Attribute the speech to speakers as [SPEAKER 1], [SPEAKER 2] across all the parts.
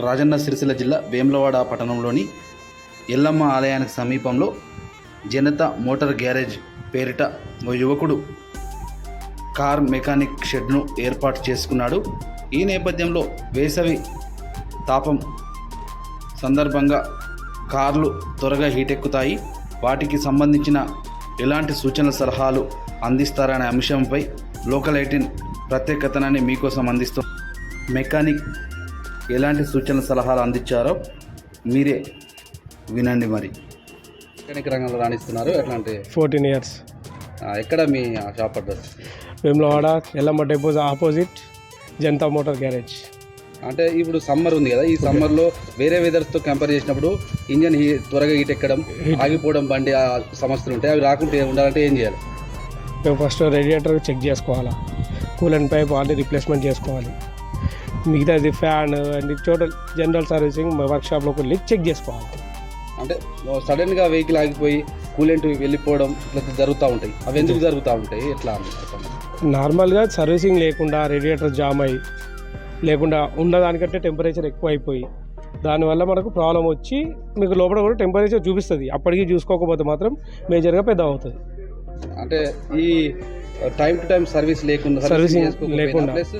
[SPEAKER 1] రాజన్న సిరిసిల్ల జిల్లా వేములవాడ పట్టణంలోని ఎల్లమ్మ ఆలయానికి సమీపంలో జనతా మోటార్ గ్యారేజ్ పేరిట ఓ యువకుడు కార్ మెకానిక్ షెడ్ను ఏర్పాటు చేసుకున్నాడు. ఈ నేపథ్యంలో వేసవి తాపం సందర్భంగా కార్లు త్వరగా హీటెక్కుతాయి. వాటికి సంబంధించిన ఎలాంటి సూచనల సలహాలు అందిస్తారనే అంశంపై లోకల్ 18 ప్రత్యేక కథనాన్ని మీకోసం అందిస్తూ మెకానిక్ ఎలాంటి సూచనల సలహాలు అందించారో మీరే వినండి. మరి మెకానిక్ రంగంలో రాణిస్తున్నారు. ఎట్లాంటి
[SPEAKER 2] 14 ఇయర్స్.
[SPEAKER 1] ఎక్కడ మీ shop address?
[SPEAKER 2] Vemulawada Yellamma temple opposite Janata motor garage.
[SPEAKER 1] అంటే ఇప్పుడు సమ్మర్ ఉంది కదా, ఈ సమ్మర్లో వేరే వెదర్స్తో కంపేర్ చేసినప్పుడు ఇంజన్ త్వరగా హీట్ ఎక్కడం, ఆగిపోవడం, బండి సమస్యలు ఉంటాయి. అవి రాకుండా ఉండాలంటే ఏం చేయాలి?
[SPEAKER 2] మేము ఫస్ట్ రేడియేటర్ చెక్ చేసుకోవాలా, కూలెంట్ పైప్ ఆల్రెడీ రిప్లేస్మెంట్ చేసుకోవాలి. మిగతాది fan and total general servicing వర్క్షాప్లోకి వెళ్ళి చెక్ చేసుకోవాలి.
[SPEAKER 1] అంటే సడన్గా వెహికల్ ఆగిపోయి కూలెంట్ వెళ్ళిపోవడం ఇట్లా జరుగుతూ ఉంటాయి. అవి ఎందుకు జరుగుతూ ఉంటాయి, ఎట్లా?
[SPEAKER 2] నార్మల్గా సర్వీసింగ్ లేకుండా రేడియేటర్ జామ్ అయ్యి లేకుండా ఉన్నదానికంటే టెంపరేచర్ ఎక్కువ అయిపోయి దానివల్ల మనకు ప్రాబ్లం వచ్చి మీకు లోపల కూడా టెంపరేచర్ చూపిస్తుంది. అప్పటికి చూసుకోకపోతే మాత్రం మేజర్గా పెద్ద అవుతుంది.
[SPEAKER 1] అంటే ఈ టైం టు టైం సర్వీసింగ్ లేకుండా ప్లస్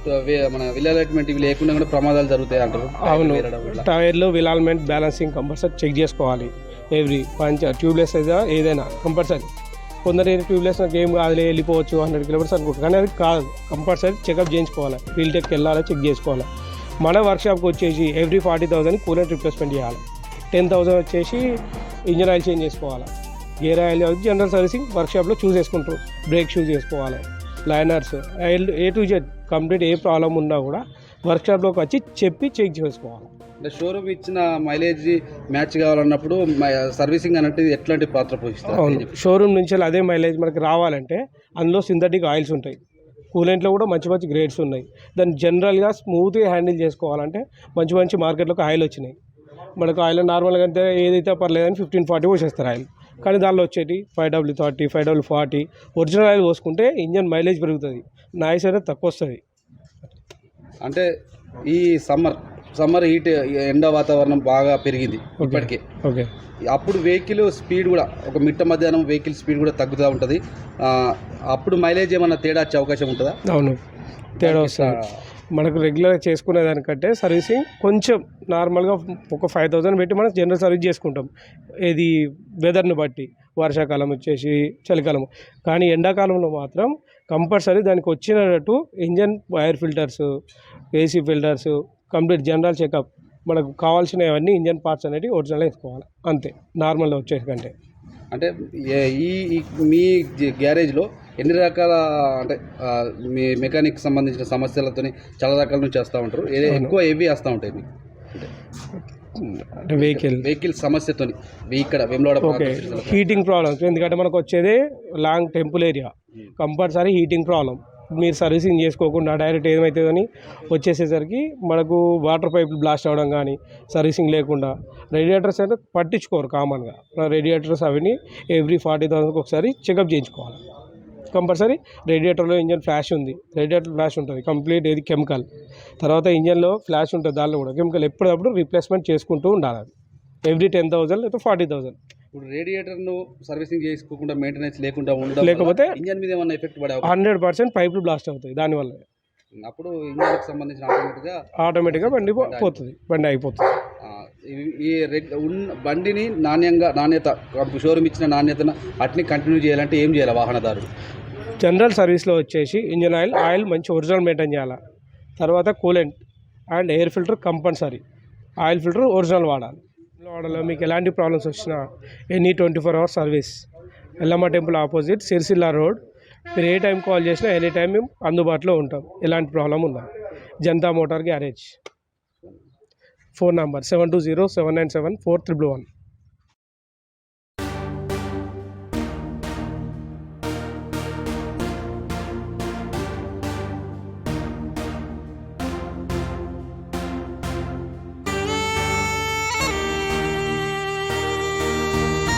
[SPEAKER 1] మన విల్ అలైట్మెంట్ ఇవి లేకుండా కూడా ప్రమాదాలు జరుగుతాయి అంటారు.
[SPEAKER 2] అవును, టైర్లు wheel alignment balancing compulsory check చేసుకోవాలి. ఎవ్రీ ట్యూబ్లెస్ అయితే ఏదైనా కంపల్సరీ. కొందరు ట్యూబ్లెస్ గేమ్ కాదులే వెళ్ళిపోవచ్చు 100 కిలోమీటర్స్ అనుకుంటారు, కానీ అది కాదు. కంపల్సరీ చెకప్ చేయించుకోవాలి, ఫీల్డ్ టెక్కి వెళ్ళాలి, చెక్ చేసుకోవాలి. మన వర్క్షాప్కి వచ్చేసి ఎవ్రీ 40,000 కూలెంట్ రిప్లేస్మెంట్ చేయాలి. 10,000 వచ్చేసి ఇంజన్ ఆయిల్ చేంజ్ చేసుకోవాలి. గేర్ ఆయిల్ జనరల్ సర్వీసింగ్ వర్క్షాప్లో చూస్ చేసుకుంటారు. బ్రేక్ షూస్ చేసుకోవాలి, liners, A to Z complete. ఏ ప్రాబ్లం ఉన్నా కూడా వర్క్షాప్లోకి వచ్చి చెప్పి చెక్ చేసుకోవాలి. అంటే షోరూమ్ ఇచ్చిన మైలేజ్ మ్యాచ్ కావాలన్నప్పుడు సర్వీసింగ్ అనేది ఎట్లాంటి పాత్ర పోషిస్తారు? అవును, షోరూమ్ నుంచి అదే మైలేజ్ మనకి రావాలంటే అందులో సింథటిక్ ఆయిల్స్ ఉంటాయి. కూలెంట్లో కూడా మంచి మంచి గ్రేడ్స్ ఉన్నాయి. దాన్ని జనరల్గా స్మూత్గా హ్యాండిల్ చేసుకోవాలంటే మంచి మంచి మార్కెట్లోకి ఆయిల్ వచ్చినాయి. మనకు ఆయిల్ నార్మల్గా అంటే ఏదైతే పర్లేదని 1540 పోసేస్తారు ఆయిల్. కానీ దానిలో వచ్చేటి 5W30, 5W40 ఒరిజినల్ ఆయిల్ పోసుకుంటే ఇంజన్ మైలేజ్ పెరుగుతుంది, నాయిస్ అనేది తక్కువ వస్తుంది. అంటే ఈ సమ్మర్ హీట్ ఎండ వాతావరణం బాగా పెరిగింది ఇప్పటికే. ఓకే, అప్పుడు వెహికల్ స్పీడ్ కూడా ఒక మిట్ట మధ్యాహ్నం వెహికల్ స్పీడ్ కూడా తగ్గుతూ ఉంటుంది. అప్పుడు మైలేజ్ ఏమన్నా తేడా వచ్చే అవకాశం ఉంటుందా? అవును, తేడా వస్తుంది. మనకు రెగ్యులర్గా చేసుకునే దానికంటే సర్వీసింగ్ కొంచెం నార్మల్గా ఒక 5,000 పెట్టి మనం జనరల్ సర్వీస్ చేసుకుంటాం. ఇది వెదర్ని బట్టి, వర్షాకాలం వచ్చేసి చలికాలం. కానీ ఎండాకాలంలో మాత్రం కంపల్సరీ దానికి వచ్చినట్టు engine air filters, AC filters, complete general checkup, మనకు కావాల్సినవన్నీ ఇంజన్ పార్ట్స్ అనేవి ఒరిజినల్ వేసుకోవాలి. అంతే, నార్మల్గా వచ్చేసి కంటే. అంటే మీ గ్యారేజ్లో ఎన్ని రకాల అంటే మీ మెకానిక్ సంబంధించిన సమస్యలతో చాలా రకాల నుంచి చేస్తూ ఉంటారు. ఎక్కువ ఏవి వేస్తూ ఉంటాయి మీకు? అంటే వెహికల్ సమస్యతో ఇక్కడ వేములవాడ హీటింగ్ ప్రాబ్లమ్స్. ఎందుకంటే మనకు వచ్చేది long temple area, compulsory heating problem. మీరు సర్వీసింగ్ చేసుకోకుండా డైరెక్ట్ ఏమవుతుందని వచ్చేసేసరికి మనకు వాటర్ పైపులు బ్లాస్ట్ అవ్వడం కానీ, సర్వీసింగ్ లేకుండా రేడియేటర్స్ అయితే పట్టించుకోరు కామన్గా. రేడియేటర్స్ అవన్నీ ఎవ్రీ 40,000 ఒకసారి చెకప్ చేయించుకోవాలి. కంపల్సరీ రేడియేటర్లో ఇంజన్ ఫ్లాష్ ఉంది, రేడియేటర్ ఫ్లాష్ ఉంటుంది కంప్లీట్. ఏది కెమికల్, తర్వాత ఇంజన్లో ఫ్లాష్ ఉంటుంది, దానిలో కూడా కెమికల్. ఎప్పుడప్పుడు రీప్లేస్మెంట్ చేసుకుంటూ ఉండాలి. అది ఎవ్రీ 10,000 లేదా 40,000. ఇప్పుడు రేడియేటర్ను సర్వీసింగ్ చేసుకోకుండా మెయింటెనెన్స్ లేకపోతే ఇంజన్ మీద ఏమన్నా ఎఫెక్ట్ పడే 100% పైపులు బ్లాస్ట్ అవుతాయి దానివల్ల. అప్పుడు ఇంజన్కి సంబంధించిన ఆటోమేటిక్గా బండి పోతుంది, బండి అయిపోతుంది. ఈ బండిని నాణ్యత షోరూమ్ ఇచ్చిన నాణ్యతను అట్ని కంటిన్యూ చేయాలంటే ఏం చేయాలి వాహనదారుడు? జనరల్ సర్వీస్లో వచ్చేసి ఇంజన్ ఆయిల్ మంచి ఒరిజినల్ మెయింటైన్ చేయాలి. తర్వాత coolant and air filter compulsory. Oil filter original వాడాలి. మీకు ఎలాంటి ప్రాబ్లమ్స్ వచ్చినా any 24 hours service. Yellamma temple opposite Sircilla road. మీరు ఏ టైం కాల్ చేసినా ఎనీ టైం మేము అందుబాటులో ఉంటాం. ఎలాంటి ప్రాబ్లం ఉందా? Janata motor garage. Phone number 720-797-4311.